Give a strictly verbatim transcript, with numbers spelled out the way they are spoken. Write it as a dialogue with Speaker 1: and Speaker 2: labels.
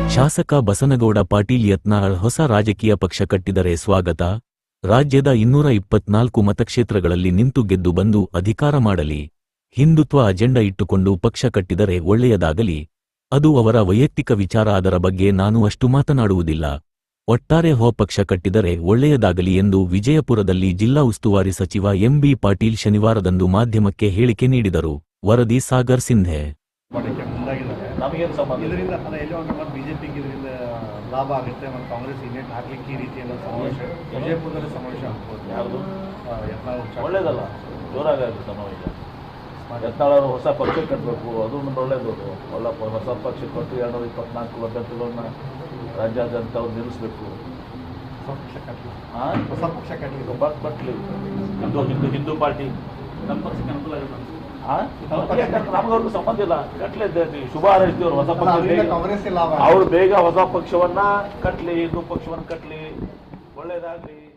Speaker 1: ಶಾಸಕ ಬಸನಗೌಡ ಪಾಟೀಲ್ ಯತ್ನಾಳ್ ಹೊಸ ರಾಜಕೀಯ ಪಕ್ಷ ಕಟ್ಟಿದರೆ ಸ್ವಾಗತ. ರಾಜ್ಯದ ಇನ್ನೂರ ಇಪ್ಪತ್ನಾಲ್ಕು ಮತಕ್ಷೇತ್ರಗಳಲ್ಲಿ ನಿಂತು ಗೆದ್ದು ಬಂದು ಅಧಿಕಾರ ಮಾಡಲಿ. ಹಿಂದುತ್ವ ಅಜೆಂಡಾ ಇಟ್ಟುಕೊಂಡು ಪಕ್ಷ ಕಟ್ಟಿದರೆ ಒಳ್ಳೆಯದಾಗಲಿ. ಅದು ಅವರ ವೈಯಕ್ತಿಕ ವಿಚಾರ. ಅದರ ಬಗ್ಗೆ ನಾನು ಅಷ್ಟು ಮಾತನಾಡುವುದಿಲ್ಲ. ಒಟ್ಟಾರೆ ಹೋ ಪಕ್ಷ ಕಟ್ಟಿದರೆ ಒಳ್ಳೆಯದಾಗಲಿ ಎಂದು ವಿಜಯಪುರದಲ್ಲಿ ಜಿಲ್ಲಾ ಉಸ್ತುವಾರಿ ಸಚಿವ ಎಂ ಬಿ ಪಾಟೀಲ್ ಶನಿವಾರದಂದು ಮಾಧ್ಯಮಕ್ಕೆ ಹೇಳಿಕೆ ನೀಡಿದರು. ವರದಿ ಸಾಗರ್ ಸಿಂಧೆ.
Speaker 2: ನಮಗೇನು ಸಂಬಂಧ ಇದರಿಂದ ಅಲ್ಲ, ಎಲ್ಲೋ ಒಂದು ಮತ್ತು ಬಿಜೆಪಿಗೆ ಇದರಿಂದ ಲಾಭ ಆಗುತ್ತೆ ಮತ್ತು ಕಾಂಗ್ರೆಸ್ ಇನ್ನೇಟ್ ಹಾಕ್ಲಿಕ್ಕೆ ಈ ರೀತಿಯ ಸಮಾವೇಶ ವಿಜಯಪುರದಲ್ಲಿ ಸಮಾವೇಶ ಆಗ್ಬೋದು. ಯಾವುದು ಒಳ್ಳೇದಲ್ಲ, ಜೋರಾಗುತ್ತೆ ಸಮಾವೇಶ. ಯತ್ನಾಳರು ಹೊಸ ಪಕ್ಷ ಕಟ್ಟಬೇಕು, ಅದು ಒಂದು ಒಳ್ಳೇದು. ಒಳ್ಳ ಹೊಸ ಪಕ್ಷ ಕೊಟ್ಟು ಎರಡುನೂರ ಇಪ್ಪತ್ನಾಲ್ಕು ಅಭ್ಯರ್ಥಿಗಳನ್ನ ರಾಜ್ಯಾದ್ಯಂತ ಅವ್ರು ನಿಲ್ಲಿಸಬೇಕು. ಹಾಂ, ಹೊಸ ಪಕ್ಷ ಕಟ್ಟಲಿ ಬಟ್ ಬಟ್ಲಿ ಹಿಂದೂ ಹಿಂದೂ ಹಿಂದೂ ಪಾರ್ಟಿ ನಮ್ಮ ಪಕ್ಷಕ್ಕೆ ಅನುಕೂಲ ಆಗುತ್ತೆ. ನಮಗವ್ರಿಗೂ ಸಂಬಂಧ ಇಲ್ಲ, ಕಟ್ಲಿದ್ದೆ ಶುಭ ಹಾರೈಸ್ತೀವ್ರು. ಹೊಸ ಪಕ್ಷ ಅವ್ರು ಬೇಗ ಹೊಸ ಪಕ್ಷವನ್ನ ಕಟ್ಲಿ, ಹಿಂದೂ ಪಕ್ಷವನ್ನ ಕಟ್ಲಿ, ಒಳ್ಳೇದಾಗ್ಲಿ.